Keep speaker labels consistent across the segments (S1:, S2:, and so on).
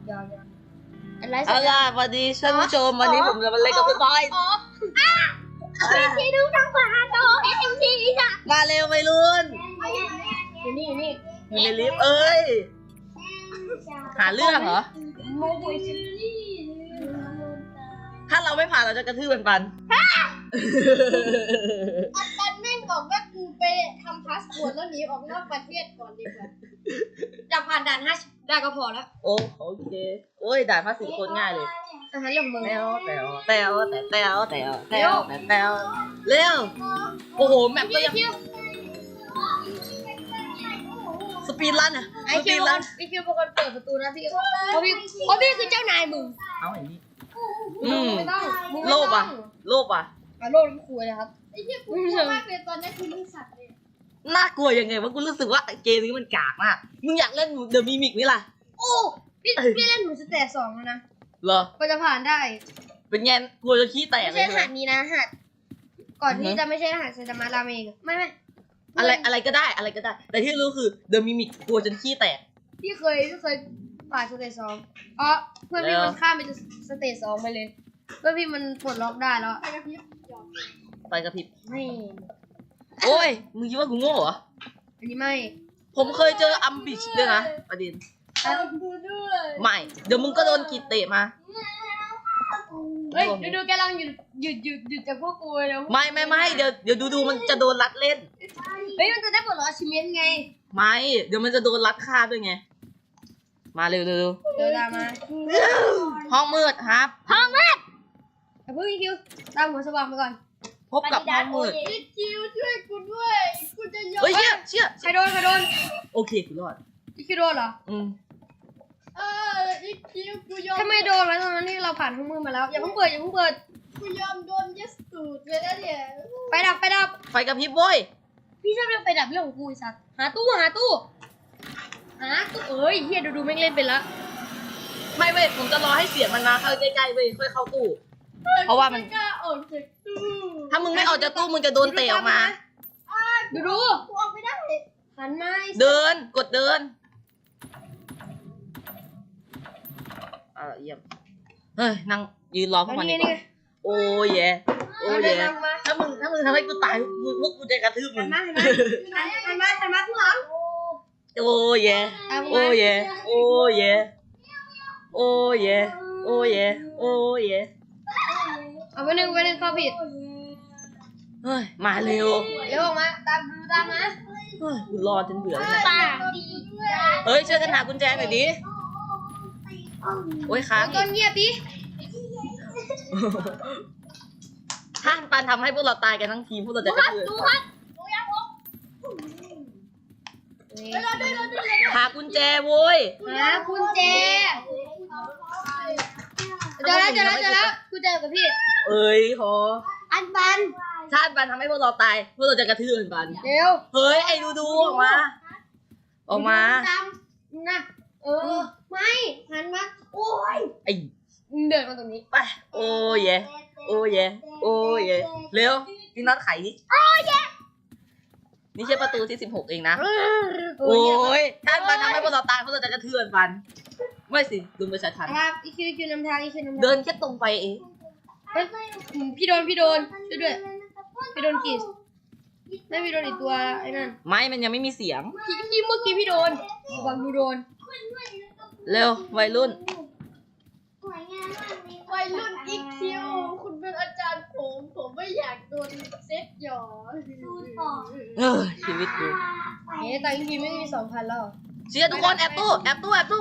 S1: ยาวอะไรสั
S2: เอา
S1: กอย่า
S2: ล่ะ
S1: ง
S2: สวัสดีท่านผู้ชมวันนี้ผมจะมาเล่นกับคุณบอย
S1: ที่ดูทางขวาโตเอ็มทีจ้ะ
S2: มาเร็วไปรุ่น
S1: อยู่นี่
S2: อยู่ในลิฟต์เอ้ยหาเรื่องเหรอถ้าเราไม่ผ่านเราจะกระทืบปัน
S1: ปันแม่งบอกว่ากูไปทำพาสปอร์ตแล้วหนีออกนอกประเทศก่อนดีกว่าจะผ่านด่าน50ได้ก็พอแล้ว
S2: โอเคโอ้ยด่านภาษีโคตรง่ายเลย
S1: อาหารเรื่องมึง
S2: แตวเร็วโอ้โหแมปก็ยังสปีดรันอะ
S1: ไอ
S2: ส
S1: คิ
S2: ปี
S1: ว
S2: ดรัน
S1: เป็นคนเปิดประตูนะพี่เพราะพี่คือเจ้านายมึง
S2: เอาอย่างนี้
S1: ไม่ต้อง
S2: โลภอ่ะ
S1: โลภน้ำคุยนะครับไอ้เหี้ยกูกลัวมากเลยตอนนี้คือมึงสัตว์เลย
S2: น่ากลัวยังไงวะกูรู้สึกว่าเกมนี้มันกากมากมึงอยากเล่นเดอะมิมิกไหมล่ะ
S1: โอ้พี่เล่นหนูสเตจ2แล้วนะ
S2: เหรอ
S1: ก็จะผ่านได้
S2: เป็นไงกลัวจะขี้แตก
S1: ไม่
S2: เลย
S1: ใช่
S2: ใช่
S1: ร
S2: ไหม
S1: หัสนี้นะหัสก่อนที่จะไม่ใช่รหัสไซตามะราเมงไม่
S2: อะไรก็ได้ แต่ที่รู้คือเดอะมิมิกกลัวจนขี้แตก
S1: พี่เคยผ่านสเตจ2อ๋อเพื่อนพี่มันข้ามไปสเตจ2ไปเลยเพื่อนพี่มันปลดล็อกได้แล้ว
S2: ไฟกระพริบ
S1: ไม่
S2: โอ้ยมึงคิดว่ากูโง่เหรอ
S1: อันนี้ไม่
S2: ผมเคยเจออัมบิชด้วยนะประเด็นไม่เดี๋ยวมึงก็โดนกีดเตะมา
S1: เฮ้ยดูแกลังหยุดจากพวกกูแล้ว
S2: ไม่เดี๋ยวดูมันจะโดนรัดเล่น
S1: เฮ้ยมันจะได้ปลดล็อกอาชิเมนไง
S2: ไม่เดี๋ยวมันจะโดนรัดฆ่าด้วยไงมาเร็ว
S1: เดี๋ยวตามมา
S2: ห้องมืดครับ
S1: ห้องมืดอย่าเพิ่งคิวตามหัวสว่างไปก่อน
S2: พบกับห้องมืด
S1: คิวช่วยกูด้วยกูจะยอม
S2: เฮ้ยเชี่ย
S1: ใครโดน
S2: โอเคกูรอด
S1: อีคิวโดนเหรอ
S3: อีคิวกูยอม
S1: ทำไมโดนวะตอนนั้นนี่เราผ่านห้องมืดมาแล้วอย่าเพิ่งเปิด
S3: กูยอมโดนยัดตูดเลยนะเนี่ย
S1: ไปดับ
S2: ไฟกระพริบโว้ย
S1: พี่ชอบเรื่องไปดับเรื่องของกูไอ้สัตว์หาตู้เอ้ยเฮียดูแม่งเล่นเป็นละ
S2: ไม่เว้ยผมจะรอให้เสียงมันมาเข้าใกล้ๆเว้ยค่อยเข้าตู้ เพราะว่ามัน
S3: ไกล้าออกจากตู้
S2: ถ้ามึงไม่ออกจากตู้มึงจะโดนเตะออกมา
S1: ดู
S3: กูออกไม่ได้
S1: หันมาไอ้สัตว์
S2: เดินกดเดินเยี่ยมเฮ้ยนั่งยืนรอพวกมันดีกว่าโอ้ยแย่ถ้ามึงทำให้กูตายพวกกูจะกระทืบมึ
S1: หั
S2: ง
S1: นมาข้างหลัง
S2: โอ้ยแย่โอ้ยแย่โอ้ยแย่โอ้ยแย่โอ้ยแย่โอ้ยแย่
S1: เอาไปหนึ่งเข้าผิด
S2: เฮ้ยมาเร็ว
S1: เร็วออกมาตามมา
S2: เฮ้ยกูรอจนเบื่อแล้ว
S1: ตา
S2: เฮ้ยช่วยกันหากุญแจหน่อยดิโอ้ยค้าง
S1: ต้นเงียบดิ
S2: ท่านปันทำให้พวกเราตายกันทั้งทีมพวกเราจะกระทืบหากุญแจโว้ย
S1: หากุญแจเจอแล้วกุญแจกับพี่
S2: เอ้ยขอ
S1: อันบัน
S2: ท่านปันทำให้พวกเราตายพวกเราจะกระทืบปัน
S1: เร็ว
S2: เฮ้ยไอ้ดูออกมา
S1: ตามนะไม่หันมาโอ้ย
S2: ไอ้
S1: เดินมาตรงนี้
S2: ไปโอ้ยแย่โอ้ยแย่โอ้ยแย่เร็วพี่น็อตไขดินี่ใช่ประตูที่16เองนะโอ้ยท่านปันทำให้พวกเราตายพวกเราจะกระทืบปันไม่สิดูประชาชน
S1: ครับอีคิวนำทาง
S2: เดินแค่ตรงไปเอง
S1: พี่โดนช่วยด้วยพี่โดนกีสไม่พี่โดนอีกตัวไอ้นั่น
S2: ไม่มันยังไม่มีเสียง
S1: พี่เมื่อกี้พี่โดนบังดูโดน
S2: เร็ววัยรุ่น
S3: วัยรุ่นอีคิวคุณเป็นอาจารย์ผมไม่อยากโดนเซ็ตหยอ
S2: ชีวิตกู
S1: แต่อีคิวไม่มี 2,000 แล้ว
S2: เชียร์ทุกคนแอบตู้
S1: หาตู้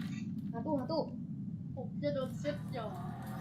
S3: ผมจะโดนเซ็ตหยอ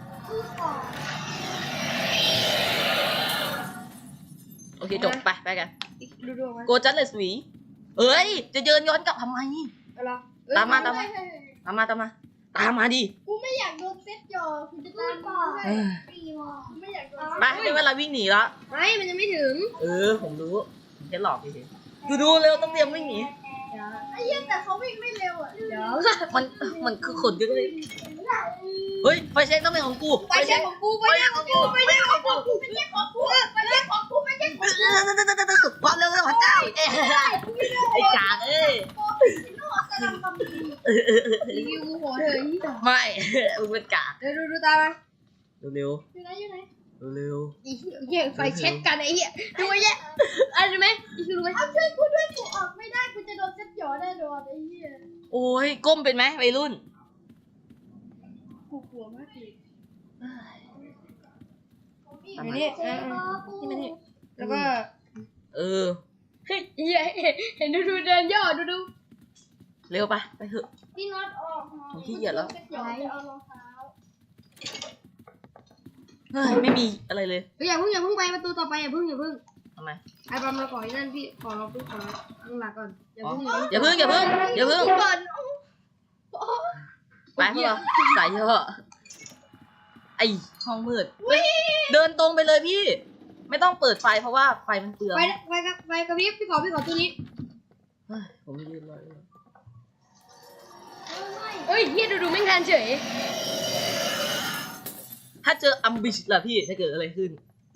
S2: โอเคจบไปกัน
S1: ดูมา
S2: โกจัสเลสวีเอ้ยจะเดินย้อนกลับทำไม
S1: อะไร
S2: ตามมาดิ
S3: กูไม่อยากโดนเซ็ตหยอคุณจะตามมาไม่อยากโดน
S2: ไปได้เวลาวิ่งหนีแล้ว
S1: ไม่มันยังไม่ถึง
S2: ผมรู้แค่หลอกเฉยๆดูเร็วต้องเตรียมวิ่งหนี
S3: ไอ้เหี้ยแต่เขาวิ่งไม่เร็วอ่ะ
S1: เดี๋ยว
S2: มันคือขนเยอะเลยเฮ้ยไฟเช็คต้องเป็นของกู
S1: ไปเช็คของกูไม่ใช่ของกู
S3: ไม่ใช่ของกูไม่ใช่ของกูไม่ใช่ของกูไม่ใช่ของกู
S2: ความเร็วพระเจ้าไอ้กากเอ้ย
S3: โอ้ยโน่ใส่
S1: ทำความดีรีวิวกูหัวเธอที่ต่อ
S2: ไม่ มึงเป็นกาก
S1: เดี๋ยวดูตามมา
S2: เร็ว
S1: อยู่ไหนอยู่ไหน
S2: ๆเร็ว
S1: อีเหี้ยไฟเช็ดกันไอ้เหี้ยดูไอ้เหี้ยอะไรไหมอีคือรู้ไหมเอาช่วยกูด้วยกูออกไม่ได้กูจะโดนเซ็ตหยอแน่นอนไอ้เหี้ย
S2: ๆโอ้ยก้มเป็นไหมวัยรุ่น
S1: กูกลัวมากเลย
S2: ทำ
S1: อยู่
S2: ไม
S1: นี่นี่มันนี่แล้วก็
S2: เออ
S1: เฮ้ยเหี้ยเห็นดูเดินย่อดู
S2: เร็วไปเถอะ
S1: พี่น็อตออก
S2: ผมขี้เกียจแล้ว
S1: เซ็ตหยอจะเอารองเท้า
S2: เฮ้ยไม่มีอะไรเลย
S1: เฮ้ยอย่าเพิ่งไปประตูต่อไปอย่าเพิ่ง
S2: ทำไม
S1: ไอ้บอมเราขอไอ้นั่นพี่ขอเราปุ๊บขอตั้งหลักก่อนอย่า
S2: อ๋อ
S1: เพิ่ง
S2: อย่าเพิ่ง
S1: ก่อน
S2: ไปพวกเราใส่เถอะไอห้องมืดเฮ้ยเดินตรงไปเลยพี่ ไม่ต้องเปิดไฟเพราะว่าไฟมันเปลือง
S1: ไปกับพี่ขอตัวนี้
S2: เฮ้ยผมยืนรอเลย
S1: เฮ้ยเฮียดูไม่ทันเฉย
S2: ถ้าเจออัมบิชล่ะพี่จะเกิดอะไรขึ้น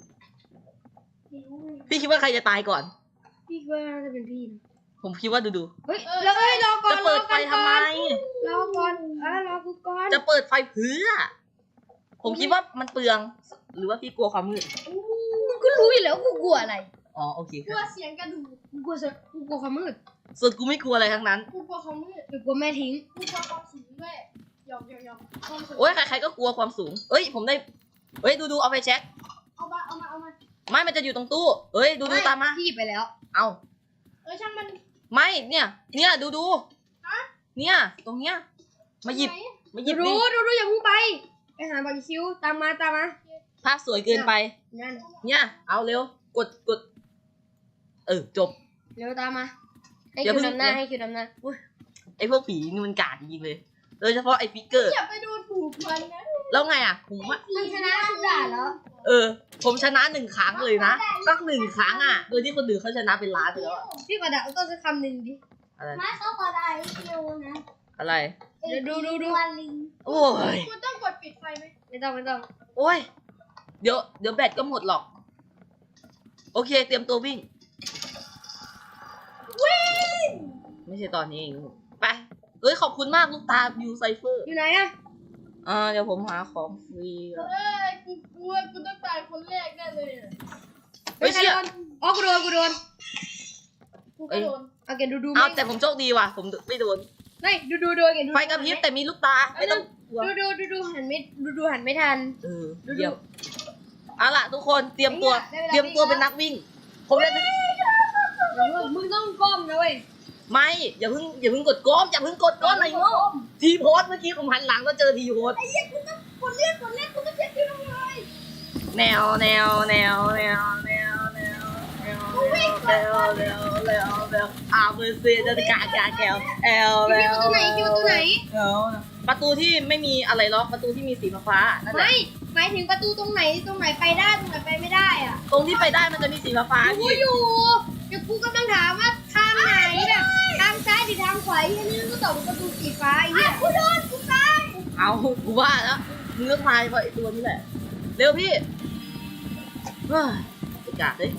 S2: พี่คิดว่าใครจะตายก่อน
S1: พี่ว่าน่าจะเป็นพี่นะ
S2: ผมคิดว่าดู
S1: เฮ้ยแล้วรอก่อน
S2: จะเปิดไฟทำไม
S1: รอก่อนรอกูก่อน
S2: จะเปิดไฟเพื่อ ผมคิดว่ามันเปลือง หรือว่าพี่กลัวความมืด
S1: มึงก็รู้อยู่แล้วกูกลัวอะไร
S2: อ๋อโอเคค
S1: กลั
S2: รั
S1: ว
S2: บ
S1: เสียงกระดูกกูกลัวความมืด
S2: ส่วนกูไม่กลัวอะไรทั้งนั้น
S1: กูกลัวความมืดกูกลัวแม่ทิ้งกูกลัวความสูงด้วยหยอกความสูง
S2: โอ้ยใครๆก็กลัวความสูง เอ้ยผมได้ เอ้ยดูเอาไปเช็ค
S1: เอามา
S2: ไม่มันจะอยู่ตรงตู้ เอ้ยดูตามมา
S1: พี่ไปแล้ว
S2: เอา
S1: ช่างมัน
S2: ไม่เนี่ยดู
S1: ฮะ
S2: เนี่ยตรงเนี้ยมาหยิบดิ
S1: รู้อย่าเพิ่งไปหาบาร์บีคิวตามมา
S2: ภาพสวยเกินไป
S1: นั่น
S2: เนี่ยเอาเร็วกดจบ
S1: เร็วตามมาให้
S2: อย่า
S1: คิ
S2: เพิ่
S1: ว
S2: ง
S1: นำหน้าให้คิวนำหน้า
S2: ไอ้พวกผีนี่มันกากจริงๆเลยโดยเฉพาะไอ้ฟิกเกอร์
S1: อย่าไปดูถูกมันนะ
S2: แล้วไงอ่ะผมว่า
S1: มันชนะทุกด่านแล้ว
S2: ผมชนะ1 ครั้งเลยนะตั้ง1 ครั้งอ่ะโดยที่คนอื่นเขาชนะเป็นล้านไปแล้วอะ
S1: พี่กระดาษต้องจะคำหนึ่งดิ
S2: อะไร
S3: มาเขาขอได้คิวนะ
S2: อะไร
S1: เดี๋ยวดู
S3: วันลิง
S2: โอ้ย
S1: คุณต้องกดปิดไฟไหมไม่ต้อง
S2: โอ้ยเดี๋ยวแบตก็หมดหรอก โอเคเตรียมตัววิ่งไม่ใช่ตอนนี้เองไปเอ้ยขอบคุณมากลูกตาบิวไซเฟอร์
S1: อยู่ไหนอะ
S2: เดี๋ยวผมหาของฟรีก่อน
S1: กูกลัวกูต้องตายคนแรกแน่เลย
S2: เฮ้ยเชี่ย
S1: อ๋อกูโดนกูก็โดนเอาแกดู
S2: เอาแต่ผมโชคดีว่ะผมไม่โดน
S1: ไม่ดูโดนแกดู
S2: ไฟกระพริบแต่มีลูกตาไม่ต้องกลัว
S1: ดูหันไม่ทัน
S2: เยี่ยมเอาล่ะทุกคนเตรียมตัวเป็นนักวิ่ง ผมได้
S1: มึงต้องก้มนะเว้ย
S2: ไม่อย่าเพิ่งกดก้มอย่าเพิ่งกดก้มไหนโง่ทีโพสเมื่อกี้ผมหันหลังก็เจอทีโพส
S1: ไอ้เหี้ยกูต้องกดเลือดกูต้องเช็คคิวลงเลย
S2: แนวอาเบอร์เซียจะกาแกวเอล
S1: คิวตัวไหน
S2: ประตูที่ไม่มีอะไรล็อกประตูที่มีสีฟ้านั่นแหละ
S1: ไม่หมายถึงประตูตรงไหนไปได้ตรงไหนไปไม่ได้อ่ะ
S2: ตรงที่ไปได้มันจะมีสีฟ้า
S1: กูอยู่เดี๋ยวกูกำลังถามว่าทางไหนแบบทางซ้ายหรือทางขวาที่นี่ก็ตอบประตูสีฟ้าไอ้เหี้ยกูโดนกูตาย
S2: เอากูว่าแล้วมึงก็ทายเพราะไอ้ตัวนี้แหละเร็วพี่เฮ้ยกาดเลย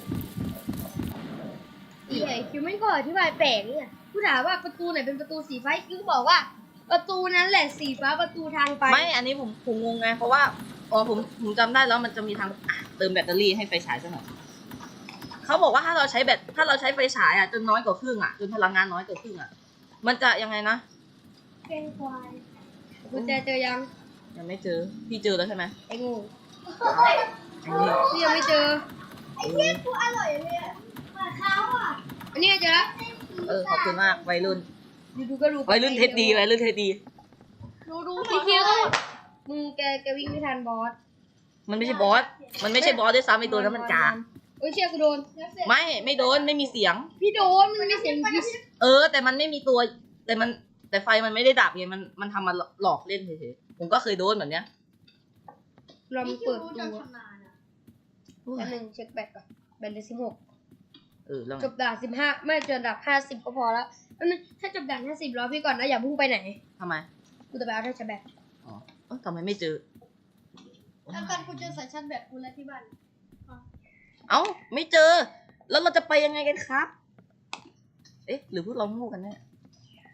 S1: ไอ้คิวไม่ก็อธิบายแปลกเนี่ยกูถามว่าประตูไหนเป็นประตูสีฟ้าคิวบอกว่า ประตูนั้นแหละสีฟ้าประตูทางไป
S2: ไม่อันนี้ผมงงไงเพราะว่าผมจำได้แล้วมันจะมีทางเติมแบตเตอรี่ให้ไฟฉายซะหน่อยเขาบอกว่าถ้าเราใช้ไฟฉายจนน้อยกว่าครึ่งจนพลังงานน้อยกว่าครึ่งมันจะยังไงนะ
S3: เป็นควาย
S1: กูเจอยัง
S2: ยังไม่เจอพี่เจอแล้วใช่ไหม
S1: ไอ้งู
S2: อันนี้
S1: พี่ยังไม่เจอ
S3: ไอ้เหี้ยกูอร่อยเลยอะเหมือนเขาอ่ะ
S1: อันนี้เจอแล้ว
S2: ขอบคุณมากวัยรุ่น
S1: ดูก็ดู
S2: วัยรุ่นเทสดีวัยรุ่นเทสดี
S1: ดูพี่คิวมึงแกวิ่งไม่ทันบอส
S2: มันไม่ใช่บอสด้วยซ้ำไอตัวนั้นมันกา
S1: เอ้ยเชี่ยกูโดน
S2: ไม่โดนไม่มีเสียง
S1: พี่โดนมันมีเสียงพิษ
S2: แต่มันไม่มีตัวแต่ไฟมันไม่ได้ดับไงมันทำมาหลอกเล่นเฉยๆผมก็เคยโดนแบบเนี้ย
S1: ลองเปิดดู
S3: จะทำนานอ่ะ
S1: อันหนึ่งเช็คแบตก่อนแบตเลย16
S2: แล้วไง
S1: จบด่าน15ไม่จบด่าน50ก็พอแล้วอันนึงถ้าจบด่าน50รอพี่ก่อนนะอย่าพุ่งไปไหน
S2: ทำไม
S1: กูจะไปเอาที่ชาร์จแบต
S2: ทำไมไม่เจอ
S3: แล้วกันกูเจอสายชาร์จแบตกูแล้วที่บ้าน
S2: ไม่เจอ แล้วเราจะไปยังไงกันครับ หรือพวกเราโง่กันแน่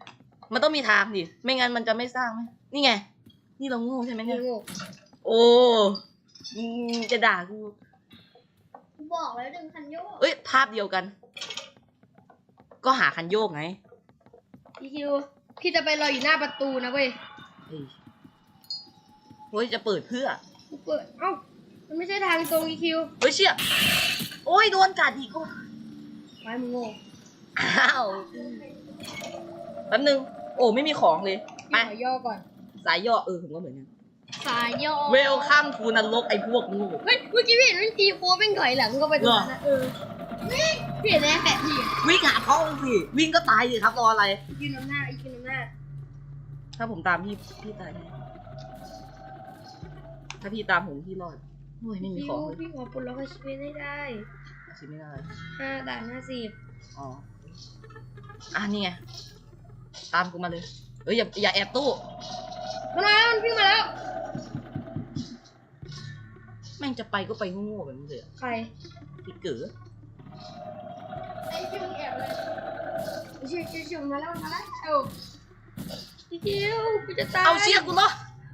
S2: มันต้องมีทางดิไม่งั้นมันจะไม่สร้างไหมนี่ไงนี่เราโง่ใช่ไหมเนี่ย
S3: โง่
S2: โอ้จะด่ากู
S1: กูบอกแล้วดึงคันโยก
S2: เอ้ยภาพเดียวกัน ก็หาคันโยกไง
S3: พี่คิวพี่จะไปรออยู่หน้าประตูนะเว้ย
S2: เฮ้ยเฮ้ยจะเปิดเพื่อ
S3: กูเปิดเอ้ามันไม่ใช่ทางตรงพี่คิว
S2: เฮ้ยเชี่ยโอ้ยโดนกัดอีกก็
S3: ไว้มึงโง่
S2: อ้าวแป๊บนึงโอ้ไม่มีของเลยไป
S3: พี่ขอย่อก่อน
S2: สายย่อผมก็เหมือนกัน
S1: สายโยก
S2: เวลคัมทูนรกไอ้พวกงู
S3: เฮ้ยเมื่อกี้พี่เห็นมันตีโค้งเป็นถอยหลังก็ไปตรงนั้นนะพี่เห็นไหมแปะพี่อะ
S2: วิ่งหาเขาสิวิ่งก็ตายสิครับรออะไร
S3: ยืนน้ำหน้าอีกยืนน้ำหน้า
S2: ถ้าผมตามพี่ตายแน่ถ้าพี่ตามผมพี่รอดโอ้ยไม่มี
S3: พี่
S2: ของเลย
S3: พี่ขอปลดล็อกชีวิตให้ได้
S2: ชิไม่ได้
S3: 5 ด่าน
S2: อ๋อนี่ไงตามกูมาเลยเอ้ยอย่าแอบตู้
S3: 50มาแล้วมันวิ่งมาแล้ว
S2: แม่งจะไปก็ไปโง่ๆแบบนี้เลยอะ
S3: ใคร
S2: พี่เก๋อ
S1: ไอ้คิวแอบเลย
S3: เชี่ยมาแล้วพี่คิวกูจะตาย
S2: เอาเชี่ยกูเนาะ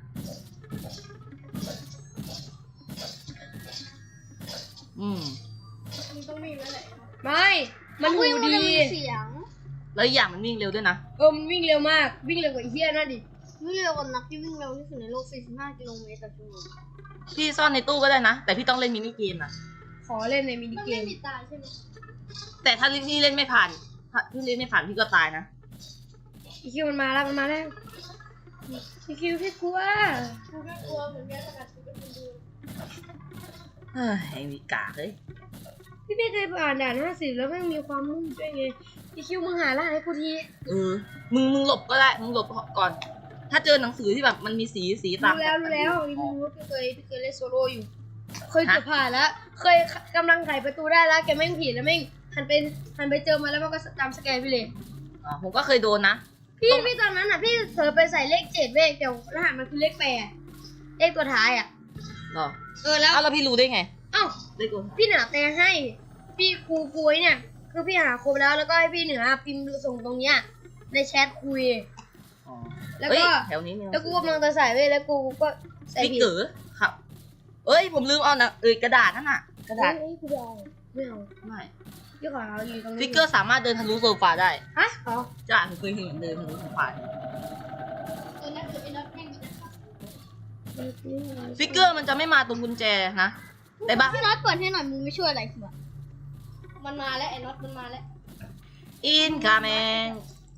S1: มึงต้องมีไว้แหละ
S3: ไม่มันหู
S1: วิ่ง
S3: ดี
S1: มันจะมีเสียง
S2: แล้วอีกอย่างมันวิ่งเร็วด้วยนะ
S3: มันวิ่งเร็วมากวิ่งเร็วกว่าไอ้เหี้ยนั่นดิ
S1: วิ่งเร็วกว่านักที่วิ่งเร็วที่สุดในโลก 45 กิโลเมตรต่อชั่วโมง
S2: พี่ซ่อนในตู้ก็ได้นะแต่พี่ต้องเล่นมินิเกมนะ
S3: ขอเล่นในมินิ
S1: มัน
S3: เก
S1: ไม่
S3: ม
S1: มีตาใช่ไหม
S2: แต่ถ้าพี่เล่นไม่ผ่านพี่เล่นไม่ผ่านพี่ก็ตายนะ
S3: พี่คิวมันมาแล้วพี่คิวพี่กลัว
S1: กูก็กลัวเหมือนกันขนาดกูเป็นคนดู
S2: เฮ้ยไอ้มีกากเลย
S3: พี่ไม่เคยผ่านด่าน50แล้วไม่มีความมุ่งด้วยไงพี่คิวมึงหารหัสให้กูที
S2: มึงหลบก็ได้มึงหลบก่อน ถ้าเจอหนังสือที่แบบมันมีสีตาม
S3: รู้แล้วพี่รู้พี่เคยเล่นโซโล่อยู่ เคยเกือบผ่านแล้วเคยกำลังไขประตูได้แล้วแกแม่งผิดแล้วแม่งหันไปเจอมาแล้วมันก็ตามสแกนพี่เลย
S2: ผมก็เคยโดนนะ
S3: พี่ตอนนั้นอ่ะพี่เผลอไปใส่เลข7เว้ยแต่รหัสมันคือเลข8เลขตัวท้ายอ่ะ
S2: หรอ
S3: แล้ว
S2: แล้วพี่รู้ได้ไง
S3: เอ้า
S2: ได้กู
S3: พี่เหนือแต่ให้พี่ครูคุยเนี่ยคือพี่หาครบแล้วก็ให้พี่เหนือพิมพ์ส่งตรงเนี้ยในแชทคุย
S2: อ๋อ
S3: แล้ว
S2: เฮ้ย
S3: ก็
S2: แถวนี้มีหนัง
S3: แล้วกู
S2: สือก
S3: ำลังจะใส่เว้ยแล้วกูก็ใส่
S2: พี่
S3: ผิด
S2: เก๋อครับ เอ้ยผมลืมเอานะกระดาษนั่นน่ะ กระดาษ
S3: เฮ้ยกูไม่เอา
S2: ไม่
S3: พี่ขอเอาอยู่ตรงนี้
S2: ฟิกเกอร์สามารถเดินทะลุโซฟาได้
S3: ฮะอ๋อ
S2: จ้าผมเคยเห็นเดินทะลุโซฟา
S1: ตอนนั้นคือไอ้นัทแม่งจะขับ
S2: ฟิกเกอร์มันจะไม่มาตรงกุญแจนะแต่บ้า
S1: พี่น็อตเปิดให้หน่อยมึงไม่ช่วยอะไรคือมันมาแล้วไอ้น็อตมันมาแล้ว
S2: อินคาแมน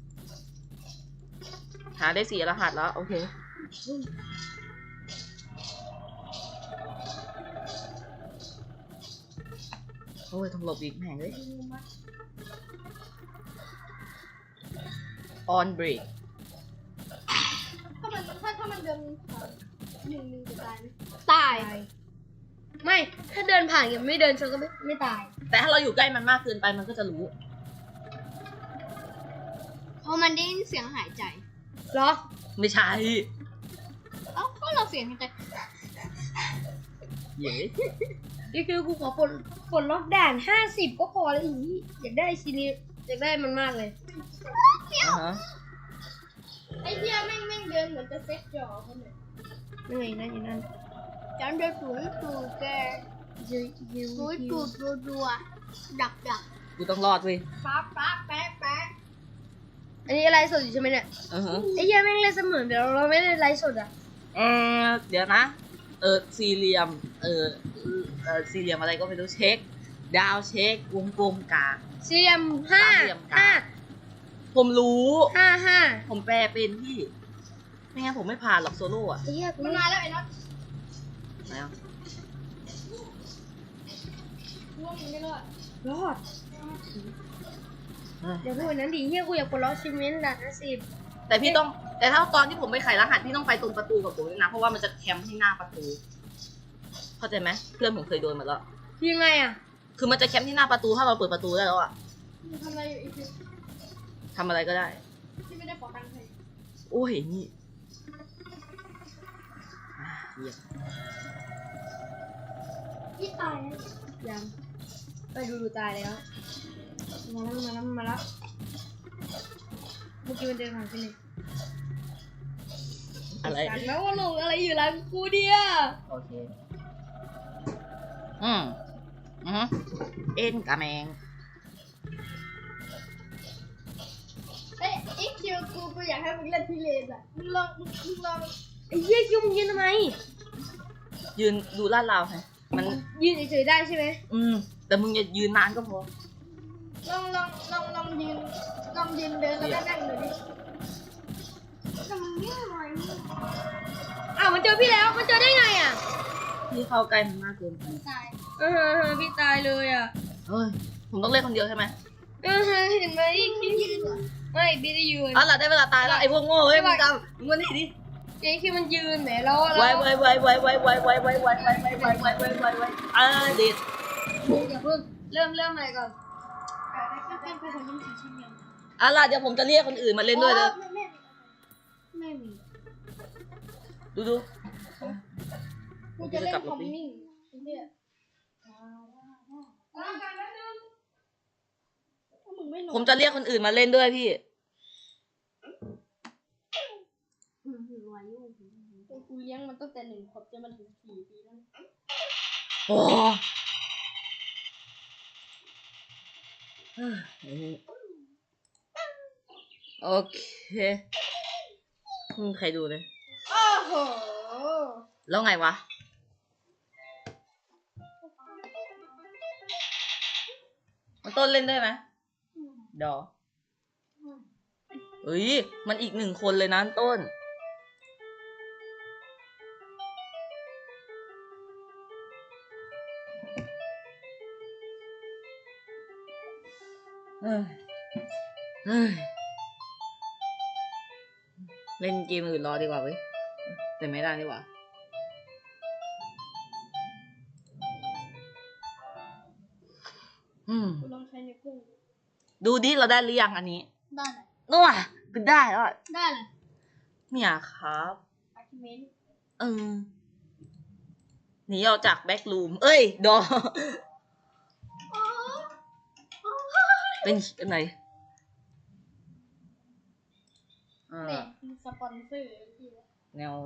S2: หาได้4 รหัสแล้วโอเคโอ้ยต้องหลบอีกแม่งเลย on break
S1: ถ้ามันเดินผ่านหนึ่งจะตายไหม
S3: ตายไม่ถ้าเดินผ่านยังไม่เดินฉันก็ไม่ตาย
S2: แต่ถ้าเราอยู่ใกล้มันมากเกินไปมันก็จะรู้
S1: เพราะมันได้ยินเสียงหายใจ
S3: เหรอ
S2: ไม่ใช่
S1: เอ้าก็เราเสียงหายใจ
S2: เย้
S3: นี่คือกูขอปลดล็อกด่าน50ก็พอแล้วอีกอยากได้ชิ้นนี้อยากได้มันมากเลย
S2: อ่าฮะ
S1: ไอ้เหี้ยแม่งเดินเหมือนจะเซ็ตจอเขาเลย
S3: นั่นไงนั่นอยู่นั่น
S1: จำเดินสูงแกสูงรัวดัก
S3: อั
S2: กูต้องรอดเว้ย
S1: ป๊าแป๊ะ
S3: นนี้อะไรสดอยู่ใช่ไหมเนี่ย
S2: อือฮะ
S3: ไอ้เหี้ยแม่งเลยเสมือนเดี๋ยวเราไม่ได้ไลฟ์สดอ่ะ
S2: เดี๋ยวนะ สี่เหลี่ยม สี่เหลี่ยมอะไรก็ไม่รู้เช็ค ดาวเช็ควงกลมกลาง
S3: สี่เหลี่ยม
S2: สามเหลี่ยมกลาง ผมรู้
S3: 5
S2: ผมแปลเป็นพี่ ไม่งั้นผมไม่ผ่านหรอกโซโล่อะ
S3: ไอ้เหี้ยกู
S1: มันมาแล้วไอ้น็อต
S2: ไหนอ่ะ
S1: ว่ามันไม่รอด
S3: รอด
S2: เฮ้ย
S3: เดี๋ยวพูดนั้นดิเหี้ยกูอยากปลดล็อกชิ้นนี้ด่าน50
S2: แต่พี่ต้อง แต่ถ้าตอนที่ผมไปไขรหัสพี่ต้องไปตรงประตูกับผมด้วยนะ เพราะว่ามันจะแคมป์ที่หน้าประตู เข้าใจไหมเพื่อนผมเคยโดนมาแล้ว
S3: ยังไงอ่ะ
S2: คือมันจะแคมป์ที่หน้าประตูถ้าเราเปิดประตูได้แล้วอะ
S1: มึงทำอะไรอยู่อีกที
S2: ทำอะไรก็ได้
S1: ที่ไม่ได้ขอตังค์ใคร
S2: โอ้ยนี่เหี้ย
S1: พี่ตายแล้ว
S3: ยังไปดูตายแล้วมาแล้วเมื่อกี้มันเดินผ่านไปเลย
S2: อะไร
S3: สั่งแล้วว่าลงอะไรอยู่หลังกูเนี่ย
S2: โอเคอืมเอ็นกะแมง
S1: เอ้ยอีคิวกูอยากให้มึงเล่นพิเรนอ่ะมึงลอง
S3: ไอ้เหี้ยคิวมึงยืนทำไม
S2: ยืนดูลาดราวไงมัน
S3: ยืนเฉยๆได้ใช่ไหม
S2: แต่มึงอย่ายืนนานก็พอ
S1: ลองยืนเดินแล้วก็นั่งดูดิแต่มึงเงี้ยหน่อยมึง
S3: อ้าวมันเจอพี่แล้วมันเจอได้ไงอ่ะ
S2: พี่เข้าใกล้มันมากเกินไป
S1: ตาย
S3: พี่ตายเลยอ่ะ
S2: เฮ้ยผมต้องเล่นคนเดียวใช่ไหม
S3: เห็นไหม
S1: พี่ยืนเหรอ
S3: ไม่พี่ได้ยืน
S2: อ๋อหล่ะได้เวลาตายแล้วไอ้พวกโง่เฮ้ยมึงจำมึงมานี่ดิ
S3: เจ๊คิวมันยืนแหมแล้ว
S2: ไว้เด็ด
S3: อย่าเพิ่งเริ่มอะไรก่อน
S1: เป็นคนยิ้มสีชิ้นเดียว
S2: อ่ะล่ะเดี๋ยวผมจะเรียกคนอื่นมาเล่นด้วยเลย
S1: ไม่มี
S2: ดู
S1: กูจะเล่นคอมมิ่งเนี่ยมึงไม่นอน
S2: ผมจะเรียกคนอื่นมาเล่นด้วยพี่
S1: กูเลี้ยงมันตั้งแต่1 ขวบจนมันถึง4 ปีแล้ว
S2: โอ้โอเคไม่มีใครดูเลย
S1: โอ้โห
S2: แล้วไงวะ มันต้นเล่นได้ไหมเดี๋ยวเฮ้ย มันอีก1 คนเลยนะต้น เฮ้ยเล่นเกมอื่นรอดีกว่าเว้ยแต่ไม่ได้ดีกว่า
S1: กูลองใช้ในกุ้ง
S2: ดูดิเราได้หรือยังอันนี้
S1: ได้เลย
S2: นู่นคือได้แล้วอะ
S1: ได้เลย
S2: เนี่ยครับ
S1: อาร์คิเมนต์
S2: หนีออกจากแบ็กรูมเอ้ยดอเป็นอะไร
S1: เนี่ยสปอนเซอร์
S2: แนว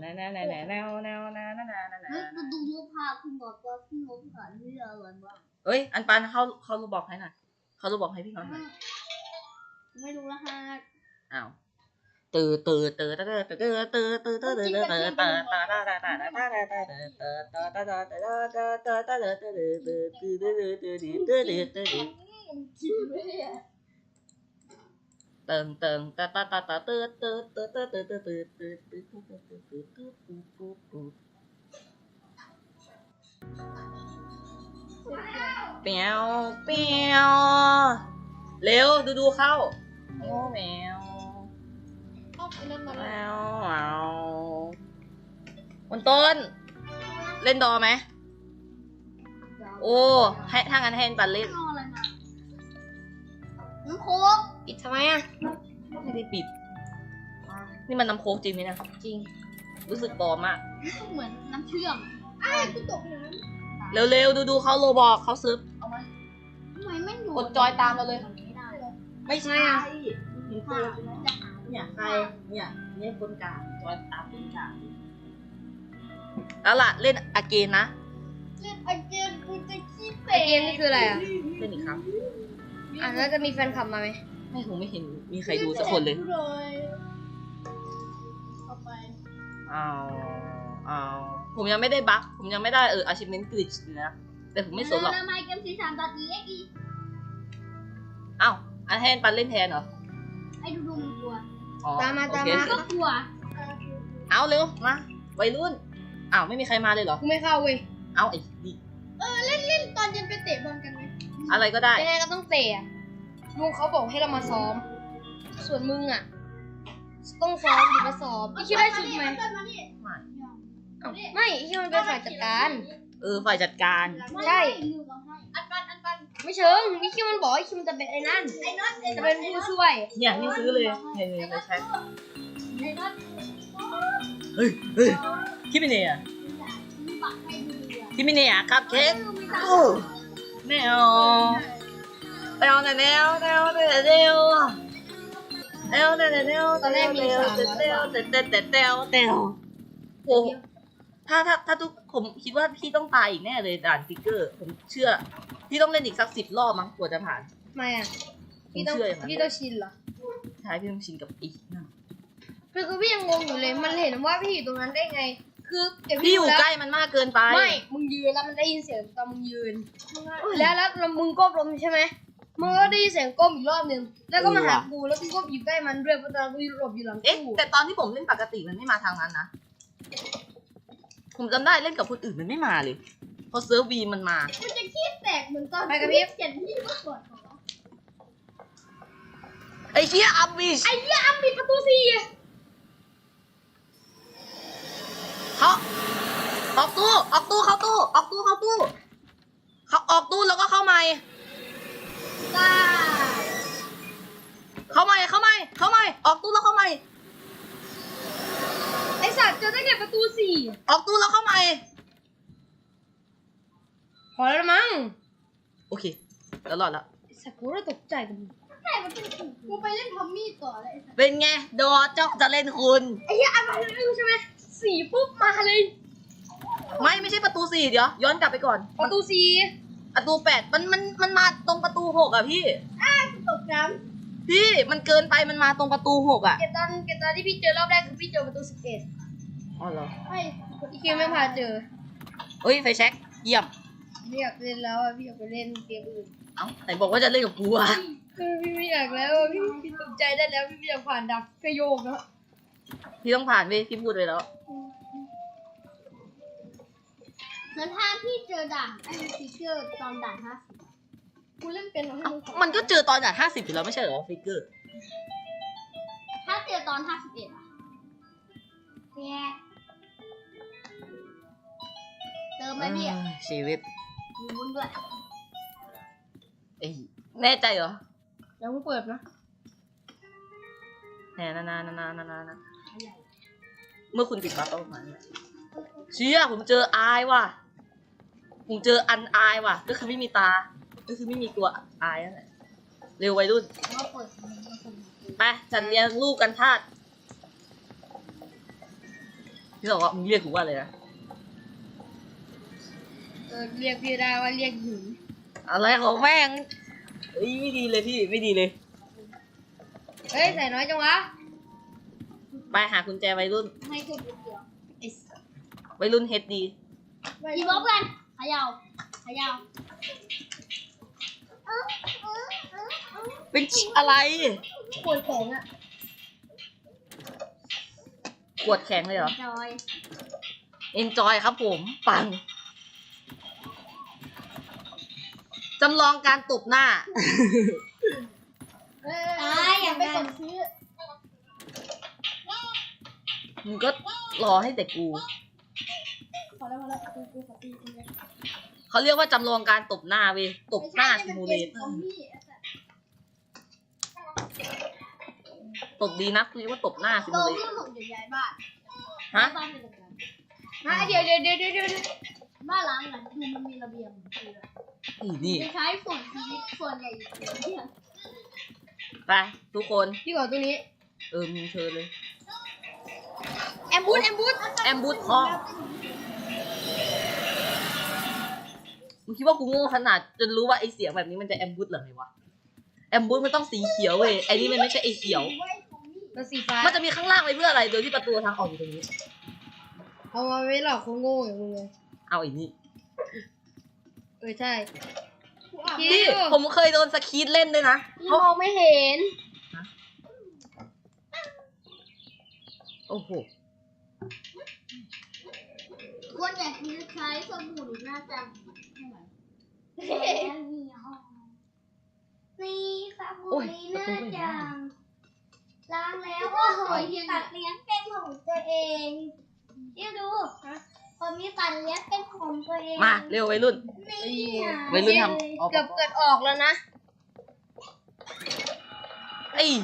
S1: ดูรูปภาพคุณบอกว่าคุณลบผ่านที่อะไรบ้าง
S2: เอ้ยอันปันเข้ารูบอกให้หน่อยเข้ารูบอกให้พี่หน่อย
S1: ไม่รู้ละฮะ
S2: อ้าว
S1: คิดไม่ได้
S2: เปียวเร็วดูเข้าโอ้แมว
S1: เอาไปนั่นมา
S2: แม
S1: แล้ว
S2: คนต้น เล่นดอไหมโอ้ให้ถ้างั้นให้ปันเล่น
S1: เอาอะไรมาน้ำโค้ก
S3: ปิดทำไมอ่ะ
S2: ไม่ได้ปิด นี่มันน้ำโค้กจริงไหมนะ
S3: จริง
S2: รู้สึกปลอมมาก
S1: เหมือนน้ำเชื่อมอ้าวกูตกน้ำ
S2: เร็วดูเขาโลบอกเขาซึบเอามา
S1: ทำไมไม่อยู่
S2: กดจอยตามเราเลย
S1: ไม่ได้เลย
S2: ไม่ใช่
S1: เห็นตัวใช่ไหมจะหา
S2: เนี่ยใครเนี่ยคนกลางจอยตามคนกลางแล้วล่ะเล่นอาเกนนะ
S1: เล่นไอเกมกูจะขี้
S3: ไอเกมนี่คืออะไรอ่ะ
S2: เล่นอีกครับ
S3: แล้วจะมีแฟนคลับมาไหม
S2: ไม่ผมไม่เห็นมีใครดูสักคนเลย
S1: เอาไป
S2: เอาผมยังไม่ได้บั๊กผมยังไม่ได้achievement glitch นะแต่ผมไม่สนหรอก
S1: ทำไมเกมสี3 ตอนนี้
S2: อ้าวอันแทนปันเล่นแทนเหรอ
S1: ไอ้ดูมันกลัว
S2: อ๋อ
S3: ตามมา
S2: โอเค
S1: ก็กลัว
S2: เอาเร็วมาวัยรุ่นอ้าวไม่มีใครมาเลยเหรอ
S3: กูไม่เข้าเว้ย
S2: เอาไอ้ดิ
S1: เล่นตอนเย็นไปเตะบอลกันไหม
S2: อะไรก็ได้
S3: ยังไงก็ต้องเตะอะลุงเขาบอกให้เรามาซ้อม ส่วนมึงอ่ะ ต้องซ้อมอยู่มาซ้อมไอ้คิดได้ชุดไหม
S1: มานี่
S3: ไม่ไอ้คิดมันเป็นฝ่ายจัดการ
S2: ฝ่ายจัดการ
S3: ใช่
S1: อันปัน
S3: ไม่เชิงไอ้คิดมันบอกไอ้คิดมันจะเป็นไอ้นั่น
S1: ไอ้น็อต
S3: จะเป็นผู้ช่วย
S2: เนี่ยนี่ซื้อเลยเนี่ยไปใช้
S1: ไอ้น็อต
S2: เฮ้ยคิดไม่เนี่ย
S1: ปักให้ดูอ่ะ
S2: คิดไม่เนี่ยครับเค้กแนวแนวเตวเตวเตว
S3: ตอนแรกมี300
S2: เตวเตวเตวโอ้ถ้าทุกผมคิดว่าพี่ต้องตายอีกแน่เลยด่านฟิกเกอร์ผมเชื่อพี่ต้องเล่นอีกสัก10 รอบมั้งกว่าจะผ่าน
S3: ไม่อ่ะ
S2: ผมเชื่ออย่างนั้น
S3: พี่ต้องชินเหรอ
S2: ใช่พี่ต้องชินกับอีกนั่น
S3: คือพี่ยังงงอยู่เลยมันเห็นว่าพี่อยู่ตรงนั้นได้ไง คือเดี๋ยว
S2: พี่อยู่
S3: แล้ว
S2: ใกล้มันมากเกินไป
S3: ไม่มึงยืนแล้วมันได้ยินเสียงตอนมึงยืน แล้วมึงก้มลงใช่ไหมมึงก็ได้ยินเสียงก้มอีกรอบหนึ่งแล้วก็มาหากูแล้วกูก็อยู่ใกล้มันด้วยเพราะตอนนั้นกูหลบอยู่หลัง
S2: เอ๊ะ
S3: ตู้
S2: แต่ตอนที่ผมเล่นปกติมันไม่มาทางนั้นนะผมจำได้เล่นกับคนอื่นมันไม่มาเลยพอเซิร์ฟวีมันมา
S1: มันจะขี้แตกเหมือนตอน
S3: ไปกับพี่
S1: เขียนที่เมื่อก่อนของเรา
S2: ไอ้เชี่ยอัมบิช
S3: ไอ้เหี้ยอ้ำปิดประตูสี่
S2: เขาออกตู้เข้าตู้เขาออกตู้แล้วก็เข้าใหม่
S1: บ้า
S2: เข้าใหม่ออกตู้แล้วเข้าใหม่
S3: ไอ้สัตว์เจอได้ไงประตูสี่
S2: ออกตู้แล้วเข้าใหม่
S3: พอแล้วนะมั้ง
S2: โอเคแล้วรอดแล้ว
S3: ไอ้สัตว์กูเลยตกใจกับมึง
S1: ใช่มันเป็นกูไปเล่นทอมมี่ต่อเลย
S2: เป็นไงดอเจ้าจะเล่นคุณ
S3: ไอ้เหี้ยอ้ำมาเร็วใช่ไหมสี่ปุ๊บมาเลย
S2: ไม่ใช่ประตู4เดี๋ยวย้อนกลับไปก่อน
S3: ประตูสี่
S2: ประตู8มันมาตรงประตู6อ่ะพี่
S1: ตกน้
S2: พี่มันเกินไปมันมาตรงประตู6อ่ะ
S3: เกตอนที่พี่เจอรอบแรกคือพี่เจอประตู11
S2: อ๋อเหรอ
S1: ำไอ้
S3: อีคิวไม่พาเจอ
S2: เฮ้ยไฟแช็กเยี่ยม
S3: ไม่อยากเล่นแล้วอะพี่อยากไปเล่นเกมอื่น
S2: เอ้าไหนบอกว่าจะเล่นกับกูอ่ะ
S3: พี่ไม่อยากแล้วอะพี่ตกใจได้แล้วพี่ไม่อยากผ่านดับกระโยกแล้ว
S2: พี่ต้องผ่านเว้ยพี่พูดไปแล้ว
S1: เหมือนถ้าพี่เจอด่านไอ้ฟิกเกอร์ตอนด่าน50กูเล่นเป็นเหรอให้
S2: เอ้า
S1: มึงขอ
S2: มันก็เจอตอนด่าน50อยู่แล้วไม่ใช่เหรอฟิกเกอร์
S1: ถ้าเจอตอน51อ่ะแย่เติมไหมพี่อ่ะ
S2: ชีวิต
S1: มีวุ้นด้วย
S2: เอ้ยแน่ใจเหรอ
S3: ยังไม่เปิดนะ
S2: แน่นาเมื่อคุณปิดบัฟประมาณนี้เชี่ยผมเจออายว่ะผมเจออันอายว่ะก็คือไม่มีตาก็คือไม่มีตัวอายนั่นแหละเร็ววัยรุ่น
S1: แล้วก็เปิดมันก็ส่ง
S2: ไปฉันเรียนลูกกันทาสพี่บอกว่ามึงเรียกกูว่าอะไรนะ
S3: เรียกพี่ได้ว่าเรียกหญิง
S2: อะไรของแม่งเอ้ยไม่ดีเลยพี่ไม่ดีเลย
S3: เฮ้ยใส่น้อยจังวะ
S2: ไปหากุญแจวัยรุ่น
S1: ให้เก็บเดียว
S3: ไอ้สัส
S2: วัยรุ่นเฮดดี
S1: อีบล็อกกันเขย่า
S2: เป็นอะไร
S1: ปวดแขนอ่ะ
S2: ขวดแข็งเลยเหรอ
S1: จอย
S2: enjoy ครับผมปังจำลองการตบหน้า
S1: อย่าไปกดซื้อ
S2: มึงก็รอให้แต่กู
S1: พอแล้วกูขอตีกูเลย
S2: เขาเรียกว่าจำลองการตบหน้าเว้ยตบหน้าซิมูเลเตอร์ตบดีนะคือเรียกว่าตบหน้าซิ
S1: โต
S2: มูเลเต
S1: ขึ้
S2: อน ร์
S1: ผมจะย้ายบ้าน
S2: ฮะ
S1: บ้านเป็นแบบนั้น
S3: เดี๋ยว
S1: บ้านล้างหลังคือมันมีระเบียงคือ
S2: นี่
S1: จะใช้ส่วนชีวิตส่วนใหญ่ที่
S2: ไปทุกคน
S3: พี่ขอตัวนี้
S2: มึงเชิญเลย
S3: แอมบูส
S2: แอมบูทพ่อมึงคิดว่ากูโง่ขนาดจนรู้ว่าไอเสียงแบบนี้มันจะแอมบูทเหรอไงวะแอมบูทมันต้องสีเขียวเว้ยไอนี่มันไม่ใช่ไอเขียว
S3: มันสีฟ้า
S2: มันจะมีข้างล่างไว้เพื่ออะไรโดยที่ประตูทางออกอยู่ตรงนี้
S3: เอามาไว้หลอกคนโง่อย่างมึงเลย
S2: เอาอีกนี่
S3: ใช่
S2: พี่ผมเคยโดนสคีดเล่นด้วยนะ
S3: พี่มองไม่เห็น
S2: โอ้โห
S1: คนอยากใช้สบู่หน้าจังนี่สบู่หน้าจังล้างแล้วโอ้โหตัดเลี้ยงเป็นของตัวเองเดี๋ยวดูคนมีตัดเลี้ยงเป็นของตัวเอง
S2: มาเร็ววัยรุ่น
S1: นี่
S2: วัยรุ่นทำเอา
S3: เกือบเกิดออกแล้วนะ
S2: ไอ้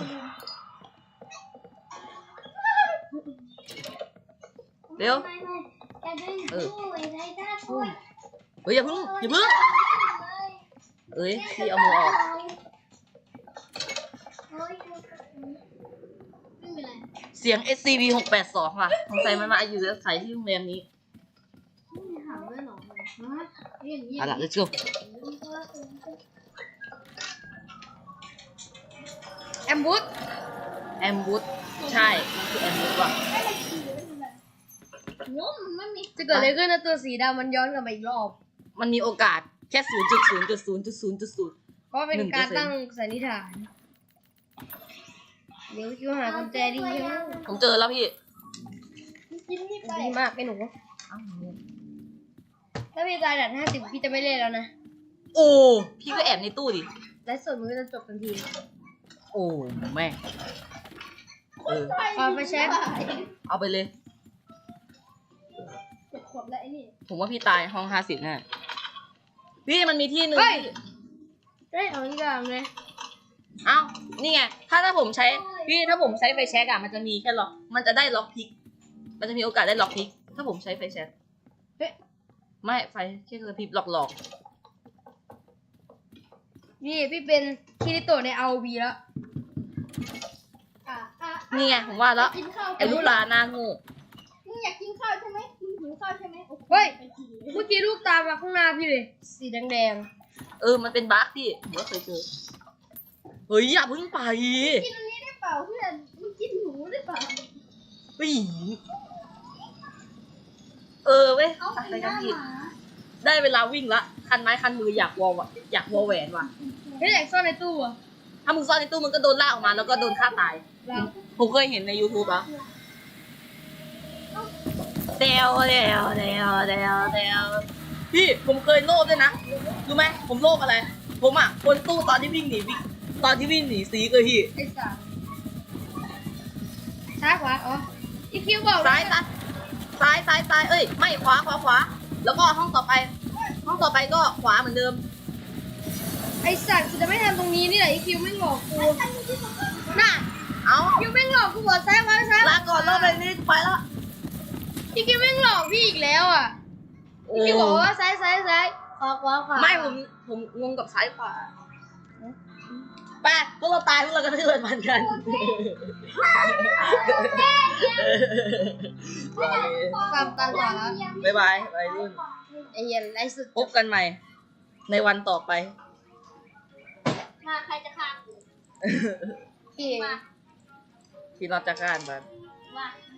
S2: เร็ว
S1: จะดึงช่วยได้ได้ช่วย
S2: เฮ้ยอย่าเพิ่งเอ้ยพี่เอามือออกเสียง SCP 682ว่ะสงสัยมันมาอยู่อาศัยที่โรงแรมนี้
S3: ถามด้วยหรออย่างนี้
S2: เอาล่ะ let's go
S3: แอมบูส
S2: แอมบูสใช่มันคือแอมบูสว่ะ
S1: ง้มมันไม่มี
S3: จะเกิดอะไรขึ้นนะตัวสีดำมันย้อนกลับมาอีกรอบ
S2: มันมีโอกาสแค่ 0.0.0.0.0
S3: เพราะเป็นการตั้งสันนิษฐาน เดี๋ยวคิวหากุญแจดีใช่ไหม
S2: ผมเจอแล้วพี่
S1: กินนี่ไป
S3: ดีมากไอ้หนู
S2: อ้าว
S3: ถ้าพี่ตายดัด50พี่จะไม่เล่นแล้วนะ
S2: โอ้พี่ก็แอบในตู้ดิ
S3: ไลฟ์สดมันก็จะจบทันที
S2: โอ้แม่เออ
S3: เอาไปเช็ค
S2: เอาไปเลย
S1: 7 ขวบแล้วไอ้นี่
S2: ผมว่าพี่ตายห้อง50แน่พี่มันมีที่หนึ่ง
S3: เฮ้ย
S2: ที่
S3: ได้เอาอีกอย่างเลย
S2: เอ้านี่ไงถ้าผมใช้พี่ถ้าผมใช้ไฟแช็กอะมันจะมีแค่ล็อกมันจะได้ล็อกพิก มันจะมีโอกาสได้ล็อกพิก ถ้าผมใช้ไฟแช็ก
S3: เฮ้ย
S2: ไม่ไฟแค่กระพริบหลอก
S3: นี่พี่เป็นคิริโตะใน ROV แล้ว
S2: ๆนี่ไงผมว่าแล้ว
S1: กินข้าว
S2: ไอ้ลูกปลาหน้าโงู
S1: มึงอยากกินข้าวใช่ไหมมึงหิวข้าวใช่ไหมโอค
S3: เฮ้ย
S1: ไปกินเลย
S3: เมื่อกี้ลูกตามมาข้างหน้าพี่เลย สีแดง
S2: มันเป็นบั๊กพี่ผมก็เคยเจอเฮ้ยอย่าเพิ่งไป
S1: กินอันนี้ได้เปล่าเพื่อนมึงกินหนูได้เปล่า
S2: เฮ้ยเว้ย
S1: เอา
S2: อะไร
S1: กินห
S2: กัน
S1: น้า
S2: พี่
S1: หมา
S2: ได้เวลาวิ่งละคันไม้คันมืออยากวอแหวนว่ะ
S3: ๆเฮ้ยอยากซ่อนในตู้อะ
S2: ถ้ามึงซ่อนในตู้มึงก็โดนลากออกมาแล้วก็โดนฆ่าตาย
S3: เรา
S2: ผมเคยเห็นใน YouTube อะเดวพี่ผมเคยโลภด้วยนะรู้ไหมผมโลภอะไร ผมอ่ะคนตู้ตอนที่วิ่งหนีซีก็พี่
S3: ไอ้สามซ้ายขวาอ๋ออีคิวบอก
S2: ซ้ายเอ้ยไม่ขวาแล้วก็ห้องต่อไปก็ขวาเหมือนเดิม
S3: ไอ้สัตว์กูจะไม่ทำตรงนี้นี่แหละอีคิวไม่งหลอกกูน่ะ
S2: เอ้า
S3: คิวไม่งหลอกกูบอกซ้ายขวาซ้าย
S2: ลาก่อนรอบเลยนี่ไปแล้ว
S3: อีคิวไม่งหลอกพี่อีกแล้วอ่ะอีคิวบอกว่าซ้ายขวา
S2: ไม่ผมงงกับซ้ายขวาไปพวกเราตายพวกเราก็ทื่นมันกัน
S3: ตามต่อแล้ว
S2: บ๊ายบายวัยรุ่น
S3: ไอ้เหี้ยไอ้สุด
S2: พบกันใหม่ ในวันต่อไป
S1: มาใครจะฆ่ากู
S3: พี่
S1: มา
S2: ที่เราจะการบัน
S1: มา